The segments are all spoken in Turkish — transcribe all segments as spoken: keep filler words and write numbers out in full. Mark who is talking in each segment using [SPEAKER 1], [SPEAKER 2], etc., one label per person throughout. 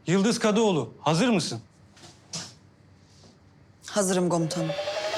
[SPEAKER 1] Yıldız Kadıoğlu, hazır mısın?
[SPEAKER 2] Hazırım komutanım.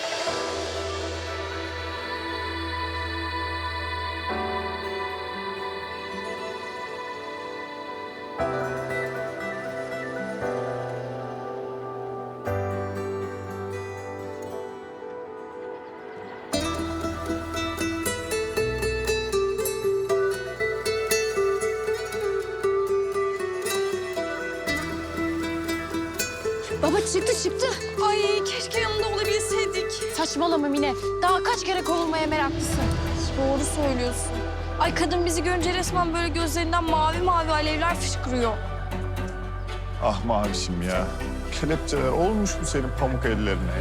[SPEAKER 3] Baba çıktı çıktı.
[SPEAKER 4] Ay keşke yanında olabilseydik.
[SPEAKER 3] Saçmalama Mine. Daha kaç kere kovulmaya meraklısın.
[SPEAKER 4] Doğru söylüyorsun. Ay kadın bizi görünce resmen böyle gözlerinden mavi mavi alevler fışkırıyor.
[SPEAKER 5] Ah mavişim ya. Kelepçeler olmuş mu senin pamuk ellerine?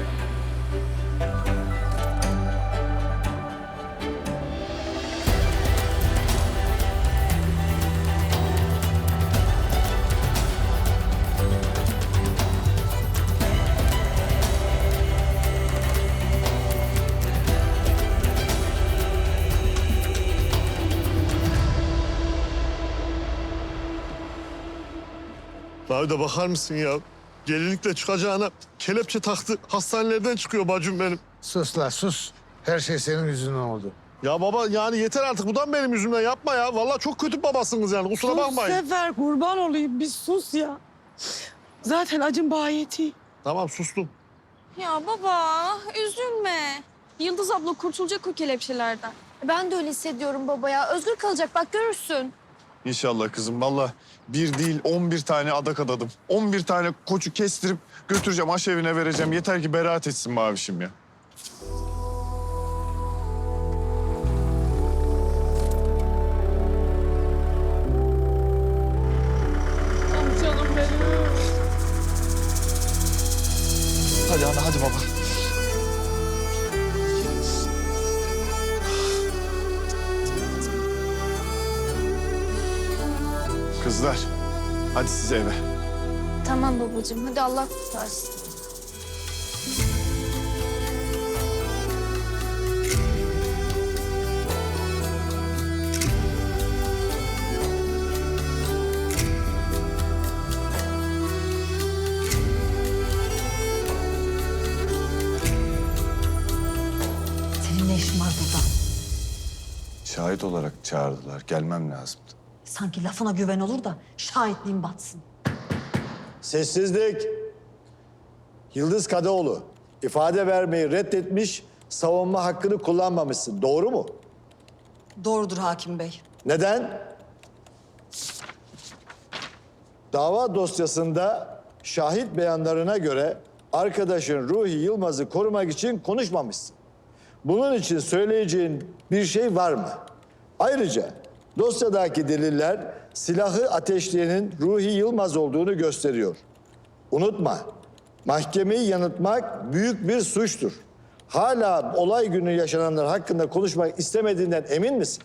[SPEAKER 6] Abi de bakar mısın ya? Gelinlikle çıkacağına kelepçe taktı. Hastanelerden çıkıyor bacım benim.
[SPEAKER 7] Sus la sus. Her şey senin yüzünden oldu.
[SPEAKER 6] Ya baba yani yeter artık. Bu da mı benim yüzümden? Yapma ya. Vallahi çok kötü babasınız yani. Kusura bakmayın.
[SPEAKER 8] Sefer kurban olayım bir sus ya. Zaten acım bayeti.
[SPEAKER 6] Tamam sustum.
[SPEAKER 4] Ya baba üzülme. Yıldız abla kurtulacak o kelepçelerden.
[SPEAKER 3] Ben de öyle hissediyorum baba ya. Özgür kalacak bak görürsün.
[SPEAKER 5] İnşallah kızım. Vallahi bir değil on bir tane adak adadım. On bir tane koçu kestirip götüreceğim, aşevine vereceğim. Yeter ki beraat etsin mavişim ya.
[SPEAKER 8] Canım benim.
[SPEAKER 5] Hadi ana hadi baba. Kızlar, hadi siz eve.
[SPEAKER 3] Tamam babacığım. Hadi Allah kurtarsın.
[SPEAKER 2] Senin ne işin var burada?
[SPEAKER 5] Şahit olarak çağırdılar. Gelmem lazımdı.
[SPEAKER 2] Sanki lafına güven olur da şahitliğin batsın.
[SPEAKER 9] Sessizlik. Yıldız Kadıoğlu, ifade vermeyi reddetmiş, savunma hakkını kullanmamışsın. Doğru mu?
[SPEAKER 2] Doğrudur hakim bey.
[SPEAKER 9] Neden? Dava dosyasında şahit beyanlarına göre arkadaşın Ruhi Yılmaz'ı korumak için konuşmamışsın. Bunun için söyleyeceğin bir şey var mı? Ayrıca dosyadaki deliller silahı ateşleyenin Ruhi Yılmaz olduğunu gösteriyor. Unutma, mahkemeyi yanıltmak büyük bir suçtur. Hala olay günü yaşananlar hakkında konuşmak istemediğinden emin misin?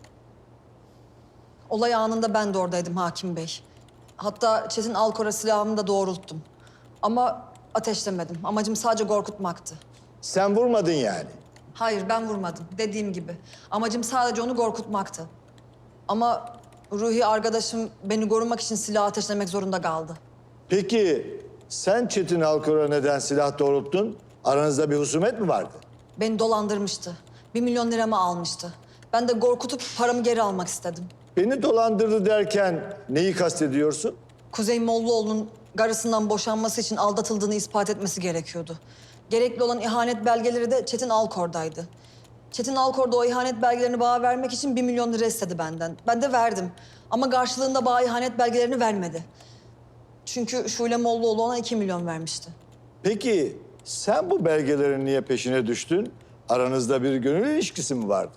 [SPEAKER 2] Olay anında ben de oradaydım hakim bey. Hatta Çetin Alkor'a silahımı da doğrulttum. Ama ateşlemedim. Amacım sadece korkutmaktı.
[SPEAKER 9] Sen vurmadın yani.
[SPEAKER 2] Hayır ben vurmadım dediğim gibi. Amacım sadece onu korkutmaktı. Ama Ruhi arkadaşım beni korumak için silah ateşlemek zorunda kaldı.
[SPEAKER 9] Peki sen Çetin Alkor'a neden silah doğrulttun? Aranızda bir husumet mi vardı?
[SPEAKER 2] Beni dolandırmıştı. Bir milyon liramı almıştı. Ben de korkutup paramı geri almak istedim.
[SPEAKER 9] Beni dolandırdı derken neyi kastediyorsun?
[SPEAKER 2] Kuzey Mollaoğlu'nun karısından boşanması için aldatıldığını ispat etmesi gerekiyordu. Gerekli olan ihanet belgeleri de Çetin Alkor'daydı. Çetin Alkor da o ihanet belgelerini bana vermek için bir milyon lira istedi benden. Ben de verdim. Ama karşılığında bana ihanet belgelerini vermedi. Çünkü Şule Mollaoğlu ona iki milyon vermişti.
[SPEAKER 9] Peki sen bu belgelerin niye peşine düştün? Aranızda bir gönül ilişkisi mi vardı?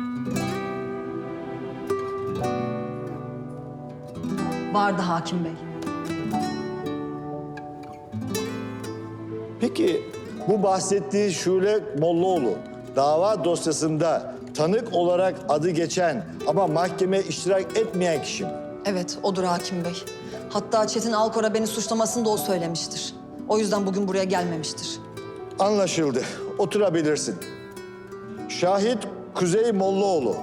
[SPEAKER 2] Vardı hakim bey.
[SPEAKER 9] Peki bu bahsettiği Şule Mollaoğlu dava dosyasında tanık olarak adı geçen ama mahkemeye iştirak etmeyen kişi mi?
[SPEAKER 2] Evet, odur hakim bey. Hatta Çetin Alkor'a beni suçlamasını da o söylemiştir. O yüzden bugün buraya gelmemiştir.
[SPEAKER 9] Anlaşıldı. Oturabilirsin. Şahit Kuzey Mollaoğlu.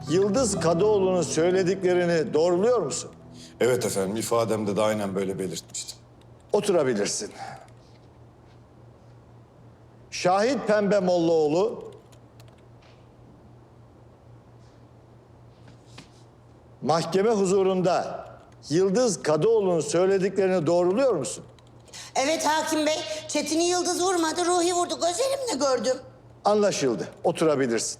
[SPEAKER 9] Yıldız Kadıoğlu'nun söylediklerini doğruluyor musun?
[SPEAKER 5] Evet efendim, ifademde de aynen böyle belirtmiştim.
[SPEAKER 9] Oturabilirsin. Şahit Pembe Mollaoğlu, mahkeme huzurunda Yıldız Kadıoğlu'nun söylediklerini doğruluyor musun?
[SPEAKER 10] Evet hakim bey. Çetin'i Yıldız vurmadı, Ruhi vurdu. Gözlerimle gördüm.
[SPEAKER 9] Anlaşıldı. Oturabilirsin.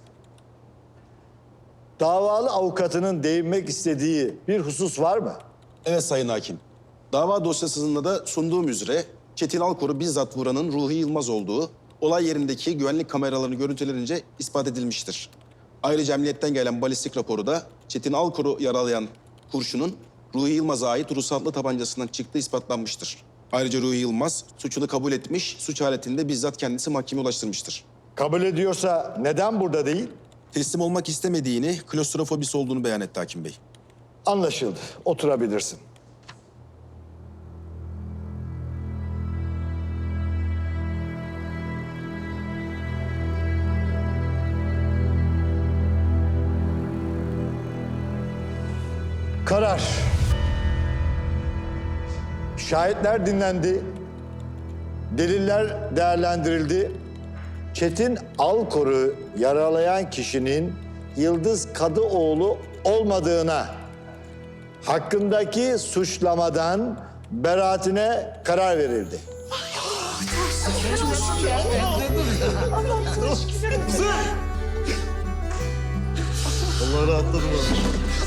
[SPEAKER 9] Davalı avukatının değinmek istediği bir husus var mı?
[SPEAKER 11] Evet Sayın Hakim. Dava dosyasında da sunduğum üzere Çetin Alkor'u bizzat vuranın Ruhi Yılmaz olduğu olay yerindeki güvenlik kameralarını görüntülerince ispat edilmiştir. Ayrıca emniyetten gelen balistik raporu da Çetin Alkor'u yaralayan kurşunun Ruhi Yılmaz'a ait ruhsatlı tabancasından çıktığı ispatlanmıştır. Ayrıca Ruhi Yılmaz suçunu kabul etmiş, suç aletinde bizzat kendisi mahkemeye ulaştırmıştır.
[SPEAKER 9] Kabul ediyorsa neden burada değil?
[SPEAKER 11] Teslim olmak istemediğini, klostrofobisi olduğunu beyan etti Hakim Bey.
[SPEAKER 9] Anlaşıldı. Oturabilirsin. Karar. Şahitler dinlendi. Deliller değerlendirildi. Çetin Alkor'u yaralayan kişinin Yıldız Kadıoğlu olmadığına, hakkındaki suçlamadan beraatine karar verildi.
[SPEAKER 6] Allah rahatladım abi.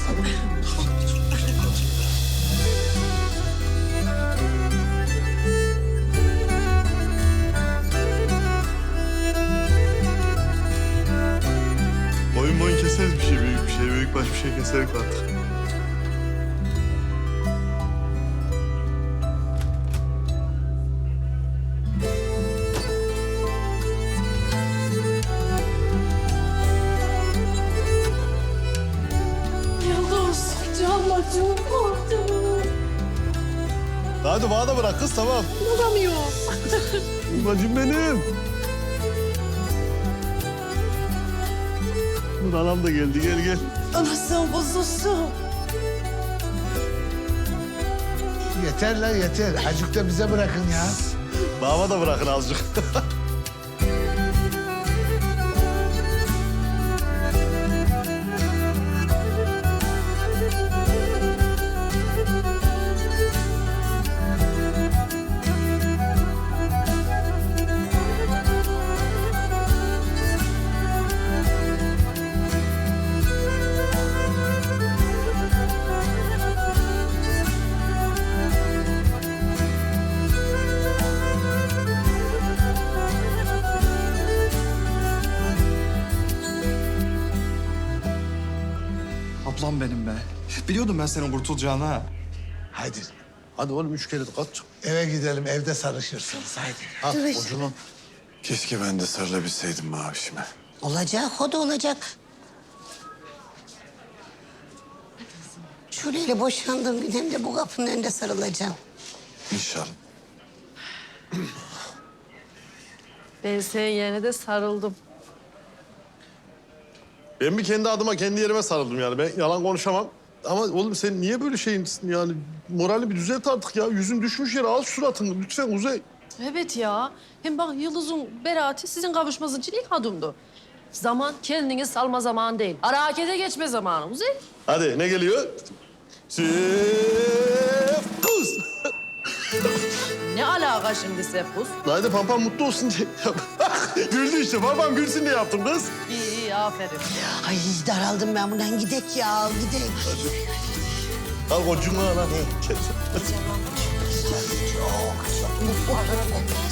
[SPEAKER 6] Boyun boyun keseriz bir şey, büyük bir şey, büyük baş bir şey keserik artık.
[SPEAKER 4] Yıldız, canla çok korktum.
[SPEAKER 6] Hadi bana da bırak kız, tamam.
[SPEAKER 4] Bulamıyorum.
[SPEAKER 6] Bacım benim. Dur anam da geldi, gel gel.
[SPEAKER 8] Anasın kuzusu.
[SPEAKER 7] Yeter lan yeter. Azıcık da bize bırakın ya.
[SPEAKER 6] Bana da bırakın azıcık.
[SPEAKER 1] Ablam benim be. Biliyordum ben senin kurtulacağını ha.
[SPEAKER 7] Haydi
[SPEAKER 6] Hadi oğlum üç kere de kaç.
[SPEAKER 7] eve gidelim, evde sarışırsınız. Haydi.
[SPEAKER 6] Ha, ucunu.
[SPEAKER 5] Keşke ben de sarılabilseydim mavişime.
[SPEAKER 10] Olacak, o da olacak. Şurayla boşandığım gün hem de bu kapının önünde sarılacağım.
[SPEAKER 5] İnşallah.
[SPEAKER 8] Ben senin yerine de sarıldım.
[SPEAKER 6] Ben bir kendi adıma, kendi yerime sarıldım yani. Ben yalan konuşamam. Ama oğlum sen niye böyle şeyinsin yani? Morali bir düzelt artık ya. Yüzün düşmüş yere, al suratını. Lütfen Uzay.
[SPEAKER 8] Evet ya. Hem bak Yıldız'ın beraati sizin kavuşmanız için ilk adımdı. Zaman kendini salma zamanı değil. Harekete geçme zamanı Uzay.
[SPEAKER 6] Hadi ne geliyor? Sefus.
[SPEAKER 8] Ne alaka şimdi Sefus?
[SPEAKER 6] Haydi pampam mutlu olsun diye. Güldü işte. Pampam gülsün diye yaptım kız.
[SPEAKER 8] İyi iyi aferin.
[SPEAKER 10] Ay daraldım ben bundan. Gidek ya, gidek.
[SPEAKER 6] Al kocuğunu al. al.